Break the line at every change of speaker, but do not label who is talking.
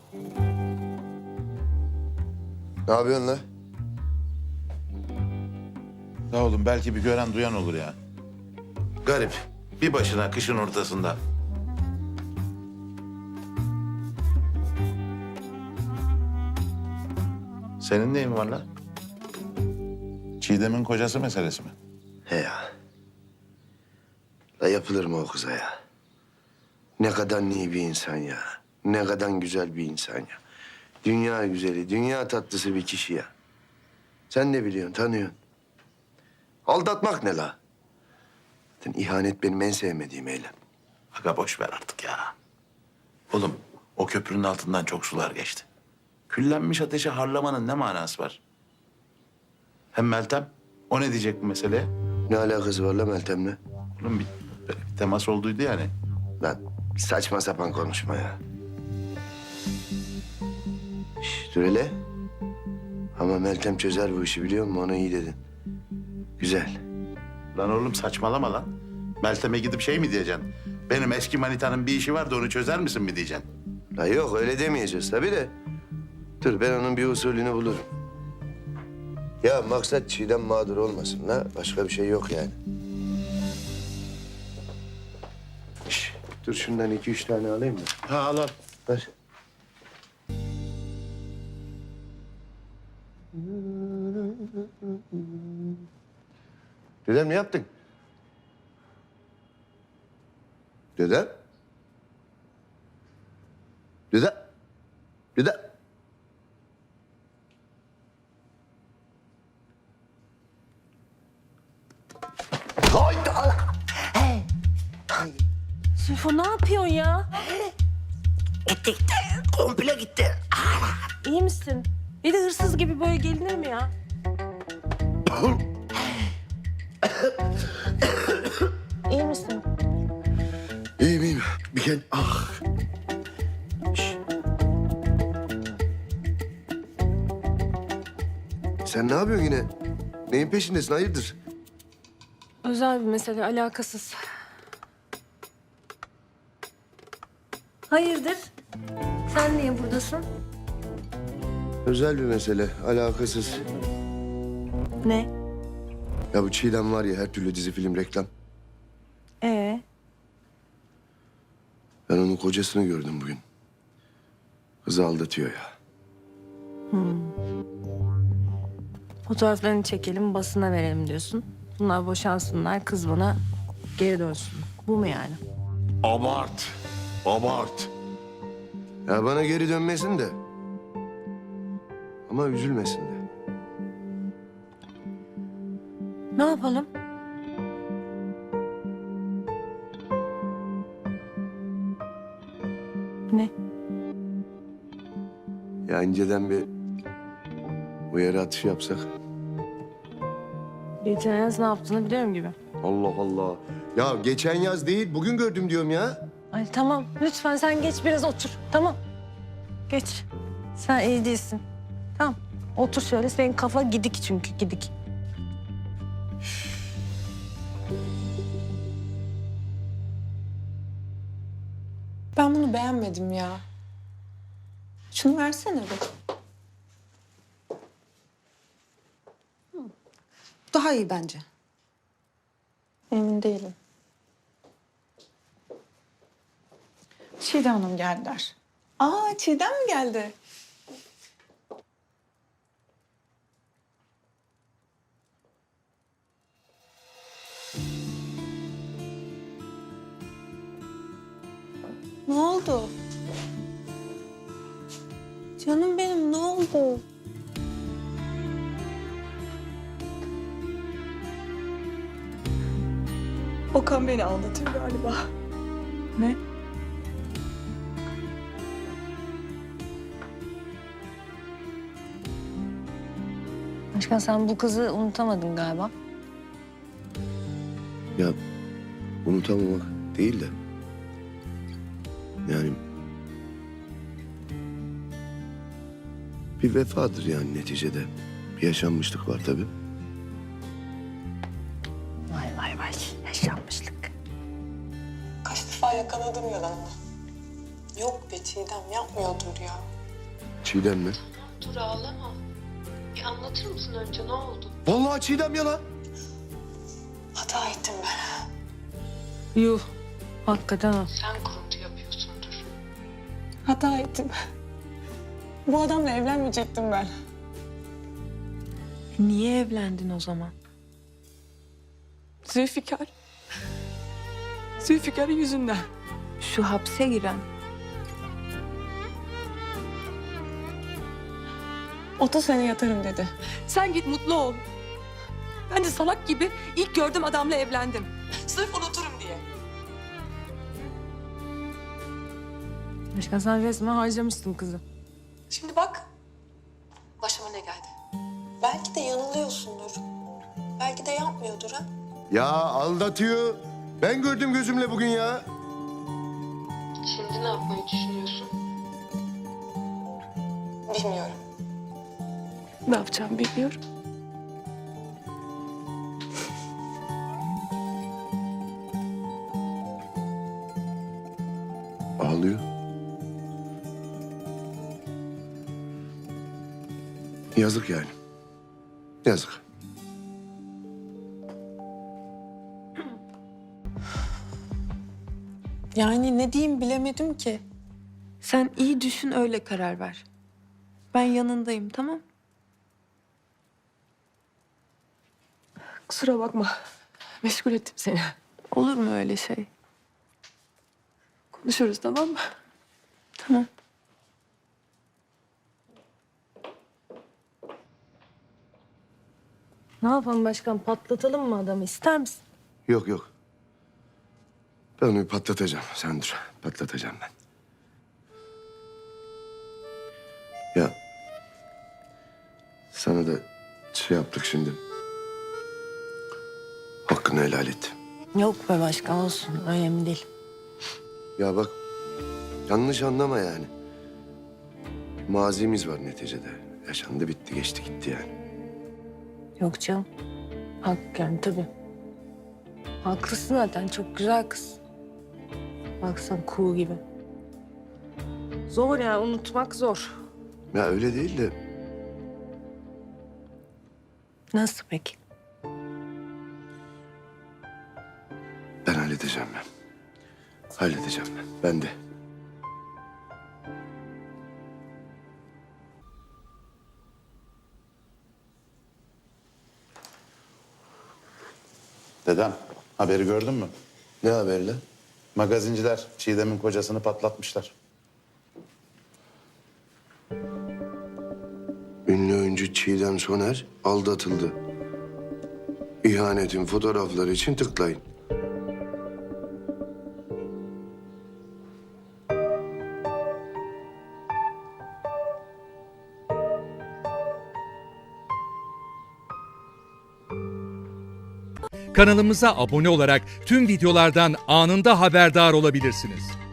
Ne yapıyorsun lan?
Ya oğlum belki bir gören duyan olur ya. Garip. Bir başına kışın ortasında. Senin neyin var lan? Çiğdem'in kocası meselesi mi?
He ya. La yapılır mı o kıza ya? Ne kadar iyi bir insan ya. Ne kadar güzel bir insan ya. Dünya güzeli, dünya tatlısı bir kişi ya. Sen de biliyorsun, tanıyorsun. Aldatmak ne la? Zaten ihanet benim en sevmediğim eylem.
Aga boş ver artık ya. Oğlum o köprünün altından çok sular geçti. Küllenmiş ateşe harlamanın ne manası var? Hem Meltem, o ne diyecek bu meseleye?
Ne alakası var la Meltem'le?
Oğlum böyle bir temas olduydu yani.
Lan saçma sapan konuşma ya. Şş, dur hele. Ama Meltem çözer bu işi biliyor musun? Ona iyi dedin. Güzel.
Lan oğlum saçmalama lan. Meltem'e gidip şey mi diyeceksin? Benim eski manitanın bir işi vardı onu çözer misin mi diyeceksin?
La yok öyle demeyeceğiz tabii de. Dur ben onun bir usulünü bulurum. Ya maksat Çiğdem mağdur olmasın la. Başka bir şey yok yani. Şş, dur şundan 2-3 tane alayım mı?
Ha al al.
Ver. Dedem ne yaptın? Dedem? Dedem? Dedem? Hayda!
Sülfo ne yapıyorsun ya?
Gitti gitti. Komple gitti.
İyi misin? Bir de hırsız gibi böyle gelinir mi ya? İyi misin?
İyiyim iyiyim. Bir kere ah. Şş. Sen ne yapıyorsun yine? Neyin peşindesin? Hayırdır?
Özel bir mesele, alakasız. Hayırdır? Sen niye buradasın?
Özel bir mesele. Alakasız.
Ne?
Ya bu Çiğdem var ya her türlü dizi, film, reklam. Ben onun kocasını gördüm bugün. Kızı aldatıyor ya.
Fotoğraflarını çekelim, basına verelim diyorsun. Bunlar boşansınlar, kız bana geri dönsün. Bu mu yani?
Abart. Abart. Ya bana geri dönmesin de. Ama üzülmesin de.
Ne yapalım? Ne?
Ya inceden bir uyarı atışı yapsak.
Geçen yaz ne yaptığını biliyorum gibi.
Allah Allah. Ya geçen yaz değil, bugün gördüm diyorum ya.
Ay tamam, lütfen sen geç biraz otur. Tamam. Geç. Sen iyi değilsin. Tamam. Otur şöyle, senin kafa gidik çünkü, gidik.
Ben bunu beğenmedim ya. Şunu versene bir. Daha iyi bence. Emin değilim. Çiğdem Hanım geldiler. Aa, Çiğdem mi geldi? Ne oldu? Canım benim ne oldu? Okan beni aldatıyor galiba. Ne?
Başkan sen bu kızı unutamadın galiba.
Ya unutamamak değil de. Yani bir vefadır yani neticede. Bir yaşanmışlık var tabii.
Vay vay vay, yaşanmışlık.
Kaç defa yakaladım yalanını. Yok be Çiğdem yapmıyordur ya.
Çiğdem mi?
Dur ağlama. Bir anlatır mısın önce ne oldu?
Vallahi Çiğdem ya lan.
Hata ettim ben.
Yuh. Hakikaten ha.
Sen kuruntu yapıyorsundur.
Hata ettim. Bu adamla evlenmeyecektim ben.
Niye evlendin o zaman?
Zülfikar. Zülfikar'ın yüzünden.
Şu hapse giren.
30 sene yatarım dedi.
Sen git mutlu ol. Ben de salak gibi ilk gördüğüm adamla evlendim. Sırf unuturum diye.
Başkan sen resmen harcamışsın kızı.
Şimdi bak. Başıma ne geldi? Belki de yanılıyorsundur. Belki de yapmıyordur ha.
Ya aldatıyor. Ben gördüm gözümle bugün ya.
Şimdi ne yapmayı düşünüyorsun? Bilmiyorum. Ne yapacağımı bilmiyorum.
Ağlıyor. Yazık yani. Yazık.
Yani ne diyeyim bilemedim ki. Sen iyi düşün öyle karar ver. Ben yanındayım tamam?
Kusura bakma. Meşgul ettim seni.
Olur mu öyle şey?
Konuşuruz tamam mı?
Tamam.
Ne yapalım başkan? Patlatalım mı adamı? İster misin?
Yok yok. Ben onu patlatacağım. Sen dur. Patlatacağım ben. Ya sana da şey yaptık şimdi. Hakkını helal et.
Yok be başkan olsun. Önemli değil.
Ya bak yanlış anlama yani. Mazimiz var neticede. Yaşandı bitti geçti gitti yani.
Yok canım. Hak yani tabii. Haklısın zaten. Çok güzel kız. Baksan kuğu gibi. Zor yani unutmak zor.
Ya öyle değil de
Nasıl peki?
ben halledeceğim ben. Halledeceğim ben. Ben de.
Dedem, haberi gördün mü?
Ne haber lan?
Magazinciler Çiğdem'in kocasını patlatmışlar.
Ünlü oyuncu Çiğdem Soner aldatıldı. İhanetin fotoğrafları için tıklayın.
Kanalımıza abone olarak tüm videolardan anında haberdar olabilirsiniz.